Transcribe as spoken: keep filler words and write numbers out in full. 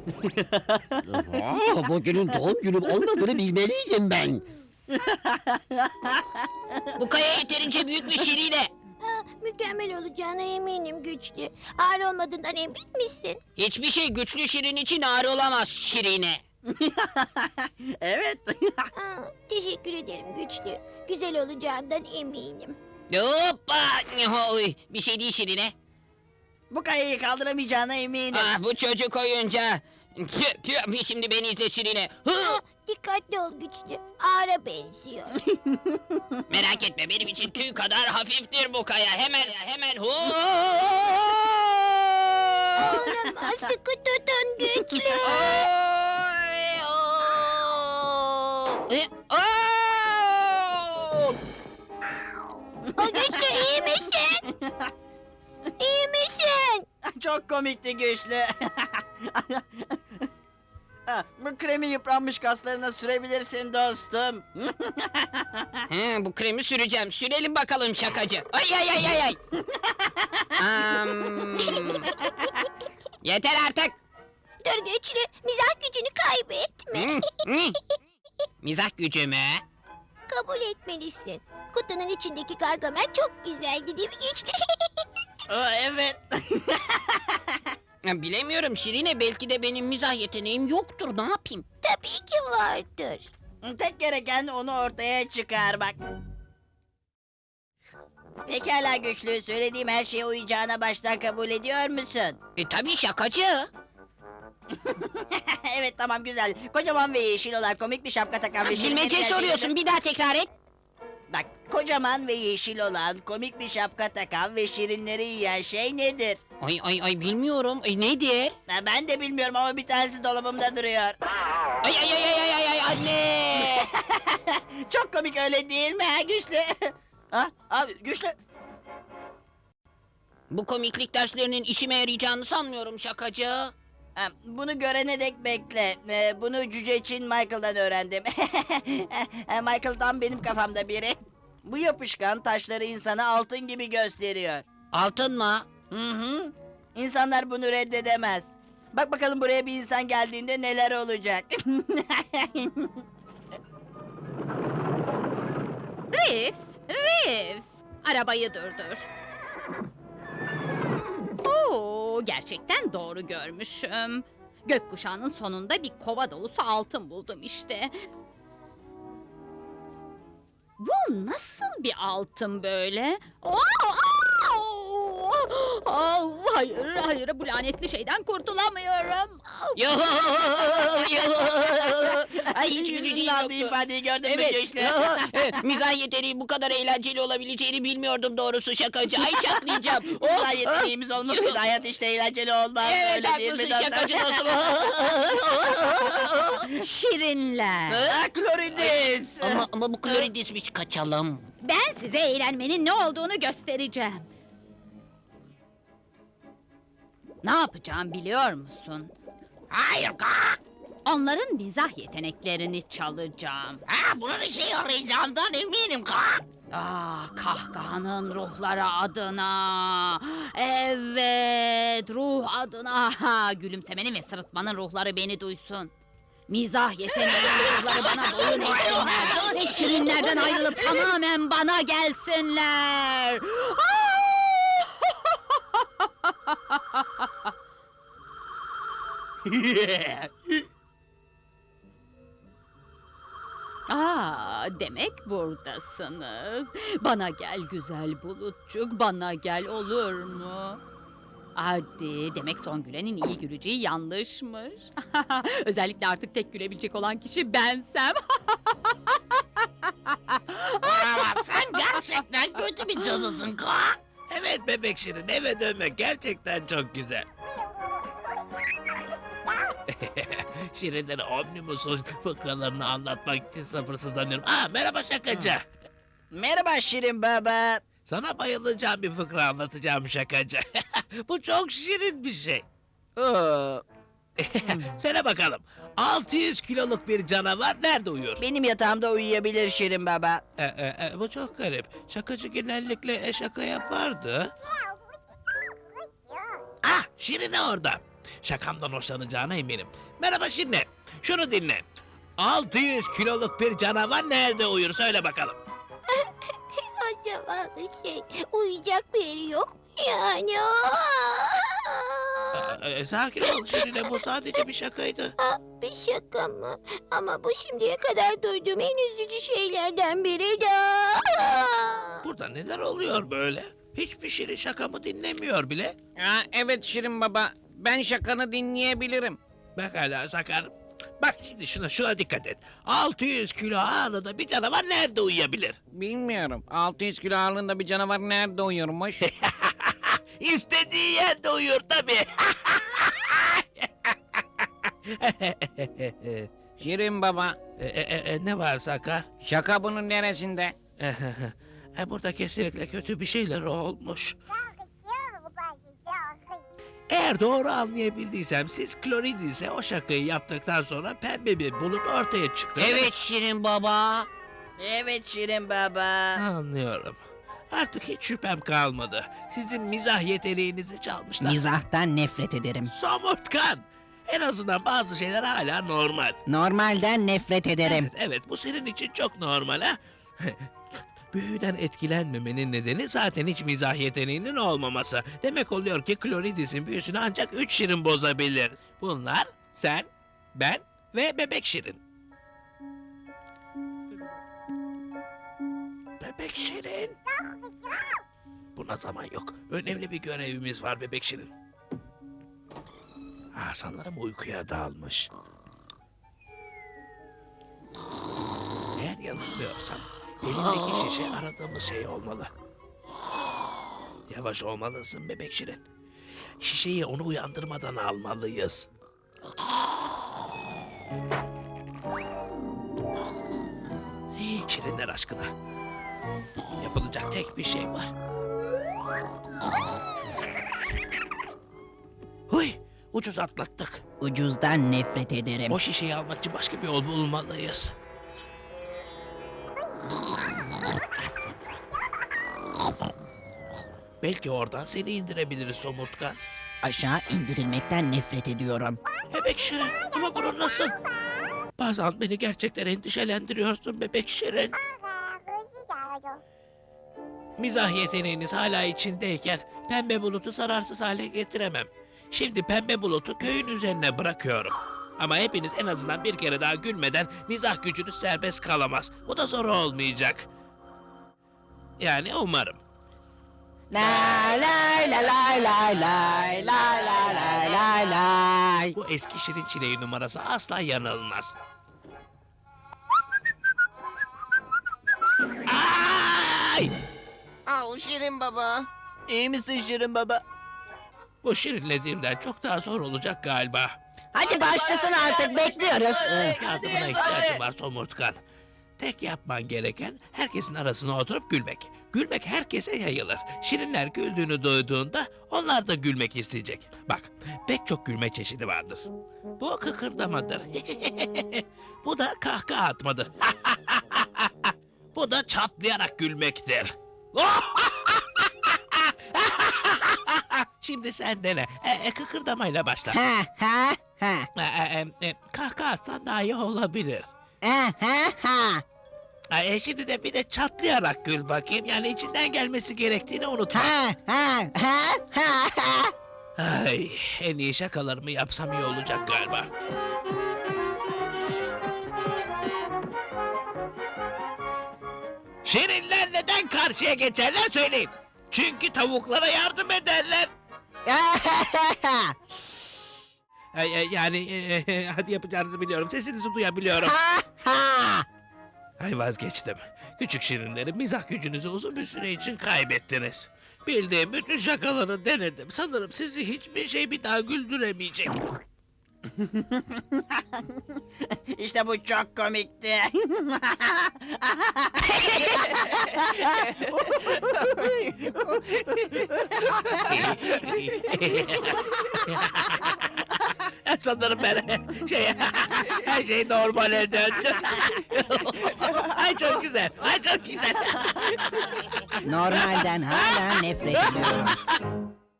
Aa, bugünün doğum günüm olmadığını bilmeliydim ben. Bu kaya yeterince büyük mü Şirine? Aa, mükemmel olacağına eminim Güçlü. Ağır olmadığından emin misin? Hiçbir şey güçlü Şirin için ağır olamaz Şirine. Evet. Aa, teşekkür ederim Güçlü. Güzel olacağından eminim. Hoppa! Oy, bir şey değil Şirine. Bu kayayı kaldıramayacağına eminim. Ah, bu çocuk oyuncağı. Tüh, tüh, şimdi beni izle Şirine. Hı! Aa, dikkatli ol Güçlü. Ağıra benziyor. Merak etme, benim için tüy kadar hafiftir bu kaya. Hemen, hemen hu! Olamaz, sıkı tutun Güçlü. Oy, oo! E, oo! O Güçlü iyi misin? İyi misin? Çok komikti Güçlü. Ha, bu kremi yıpranmış kaslarına sürebilirsin dostum. He, bu kremi süreceğim. Sürelim bakalım şakacı. Ay ay ay ay ay. Am. Yeter artık. Dur Güçlü, mizah gücünü kaybetme. Hı, hı. Mizah gücü mü? Kabul etmelisin. Kutunun içindeki Gargamel çok güzeldi değil mi Güçlü? Aa, evet. Ya, bilemiyorum Şirine, belki de benim mizah yeteneğim yoktur. Ne yapayım? Tabii ki vardır. Tek gereken onu ortaya çıkarmak. Pekala Güçlü, söylediğim her şeye uyacağına baştan kabul ediyor musun? E tabii şakacı. Evet, tamam, güzel. Kocaman ve yeşil olan komik bir şapka takan ve şirin Bilmece bir soruyorsun, bir daha tekrar et. Bak, kocaman ve yeşil olan komik bir şapka takan ve şirinleri yiyen şey nedir? Ay ay ay bilmiyorum. E, nedir? Ha, ben de bilmiyorum ama bir tanesi dolabımda duruyor. Ay ay ay ay ay ay ay anne. Çok komik, öyle değil mi ha Güçlü? Ha, abi Güçlü. Bu komiklik derslerinin işime yarayacağını sanmıyorum şakacı. Ha, bunu görene dek bekle. Ee, bunu Cüce Çin Michael'dan öğrendim. Ha, Michael tam benim kafamda biri. Bu yapışkan taşları insana altın gibi gösteriyor. Altın mı? Hı hı. İnsanlar bunu reddedemez. Bak bakalım buraya bir insan geldiğinde neler olacak. Reeves, Reeves. Arabayı durdur. Oo, gerçekten doğru görmüşüm. Gökkuşağının sonunda bir kova dolusu altın buldum işte. Bu nasıl bir altın böyle? Oo, au! Au, hayır, hayır, bu lanetli şeyden kurtulamıyorum. Yo yo. Ay hiç Yüzünün güleceğim aldığı yoktu. ifadeyi gördün mü Evet. Güçlü? Evet, mizah yeteneği bu kadar eğlenceli olabileceğini bilmiyordum doğrusu şakacı. Ay çatlayacağım. Daha Oh, yeteneğimiz olmasaydı hayat işte eğlenceli olmaz. Evet Öyle değil mi haklısın dostum? şakacı dostum. Şirinler. Ha, Kloridis. ama, ama bu kloridismiş, kaçalım. Ben size eğlenmenin ne olduğunu göstereceğim. Ne yapacağım biliyor musun? Hayır kalk. Onların mizah yeteneklerini çalacağım. Ha, bunun işe yarayacağından eminim kalk. Ah, kahkahanın ruhları adına. Evet, ruh adına. Ha, gülümsemenin ve sırıtmanın ruhları beni duysun. Mizah yeteneğinin ruhları bana boyun eğsinler. Ve şirinlerden ayrılıp tamamen bana gelsinler. Ah! Aa, demek buradasınız. Bana gel güzel bulutçuk, bana gel olur mu? Hadi, demek son gülenin iyi güleceği yanlışmış. Özellikle artık tek gülebilecek olan kişi bensem. Ama sen gerçekten kötü bir cadısın kalk. Evet bebek şirin, eve dönmek gerçekten çok güzel. Şirinlere Omnibus'un fıkralarını anlatmak için sabırsızlanıyorum. Aa, merhaba şakacı. Merhaba Şirin Baba. Sana bayılacağım bir fıkra anlatacağım şakacı. Bu çok şirin bir şey. Oo, Söyle bakalım, altı yüz kiloluk bir canavar nerede uyur? benim yatağımda uyuyabilir Şirin Baba. E, e, e, bu çok garip. Şakacı genellikle e, şaka yapardı. Ah, Şirine orada. Şakamdan hoşlanacağına eminim. Merhaba Şirin'e. Şunu dinle. altı yüz kiloluk bir canavar nerede uyur söyle bakalım. Acaba şey uyuyacak bir yeri yok mu yani? Ee, e, sakin ol Şirin'e, bu sadece bir şakaydı. Aa, bir şaka mı? Ama bu şimdiye kadar duyduğum en üzücü şeylerden biriydi. Burada neler oluyor böyle? Hiçbir Şirin şakamı dinlemiyor bile. Aa, evet Şirin Baba. Ben şakanı dinleyebilirim. Bak hala sakar. Bak şimdi şuna şuna dikkat et. altı yüz kilo ağırlığında bir canavar nerede uyuyabilir? Bilmiyorum. altı yüz kilo ağırlığında bir canavar nerede uyurmuş? İstediği yerde uyur tabii. Şirin Baba. e, e, e, ne var Sakar? Şaka bunun neresinde? E, burada kesinlikle kötü bir şeyler olmuş. Eğer doğru anlayabildiysem siz Kloridis'e o şakayı yaptıktan sonra pembe bir bulut ortaya çıktı. Evet Şirin Baba. Evet Şirin Baba. Anlıyorum. Artık hiç şüphem kalmadı. Sizin mizah yeteneğinizi çalmışlar. Mizahtan nefret ederim. Somurtkan! En azından bazı şeyler hala normal. Normalden nefret ederim. Evet, evet bu senin için çok normal ha. Büyüden etkilenmemenin nedeni zaten hiç mizah yeteneğinin olmaması. Demek oluyor ki Kloridis'in büyüsünü ancak üç Şirin bozabilir. Bunlar sen, ben ve Bebek Şirin. Bebek Şirin. Buna zaman yok. Önemli bir görevimiz var Bebek Şirin. Ah, sanırım uykuya dalmış. Eğer yanılmıyorsam elindeki şişe aradığımız şey olmalı. Yavaş olmalısın Bebek Şirin. Şişeyi onu uyandırmadan almalıyız. Şirinler aşkına. Yapılacak tek bir şey var. Huy, ucuz atlattık. Ucuzdan nefret ederim. O şişeyi almak için başka bir yol bulmalıyız. Belki oradan seni indirebiliriz somurtkan. Aşağı indirilmekten nefret ediyorum. Bebek Şirin ama bunu nasıl? Bazen beni gerçekten endişelendiriyorsun Bebek Şirin. Mizah yeteneğiniz hala içindeyken pembe bulutu zararsız hale getiremem. Şimdi pembe bulutu köyün üzerine bırakıyorum. Ama hepiniz en azından bir kere daha gülmeden mizah gücünüz serbest kalamaz. Bu da zor olmayacak. Yani umarım. Lay lay lay lay lay lay lay lay lay lay lay. Bu eski Şirin Çileği numarası asla yanılmaz. Ay! Au Şirin Baba. İyi misin Şirin Baba? Bu şirinlediğimden çok daha zor olacak galiba. Hadi başlasın artık bekliyoruz. Hadi, Yardımına hadi, ihtiyacım hadi. var somurtkan. Tek yapman gereken herkesin arasına oturup gülmek. Gülmek herkese yayılır. Şirinler güldüğünü duyduğunda onlar da gülmek isteyecek. Bak, pek çok gülme çeşidi vardır. Bu kıkırdamadır. Bu da kahkaha atmadır. Bu da çatlayarak gülmektir. Şimdi sen dene. E, e, kıkırdamayla başla. Ha ha ha. E, e, e, kahkaha atsan daha iyi olabilir. Ha ha ha. E, şimdi de bir de çatlayarak gül bakayım. Yani içinden gelmesi gerektiğini unutma. Ha ha ha ha ha. Ay, en iyi şakalarımı yapsam iyi olacak galiba. Şirinler neden karşıya geçerler söyleyin. Çünkü tavuklara yardım ederler. Ay, ay, yani e, e, hadi yapacağınızı biliyorum. Sesinizi duyabiliyorum. Ha ha. Ay vazgeçtim. Küçük şirinlerim mizah gücünüzü uzun bir süre için kaybettiniz. Bildiğim bütün şakaları denedim. Sanırım sizi hiçbir şey bir daha güldüremeyecek. İşte bu çok komikti. Sanırım ben şey her şey normale döndü. Ay çok güzel. Ay çok güzel. Normalden hala nefret ediyorum.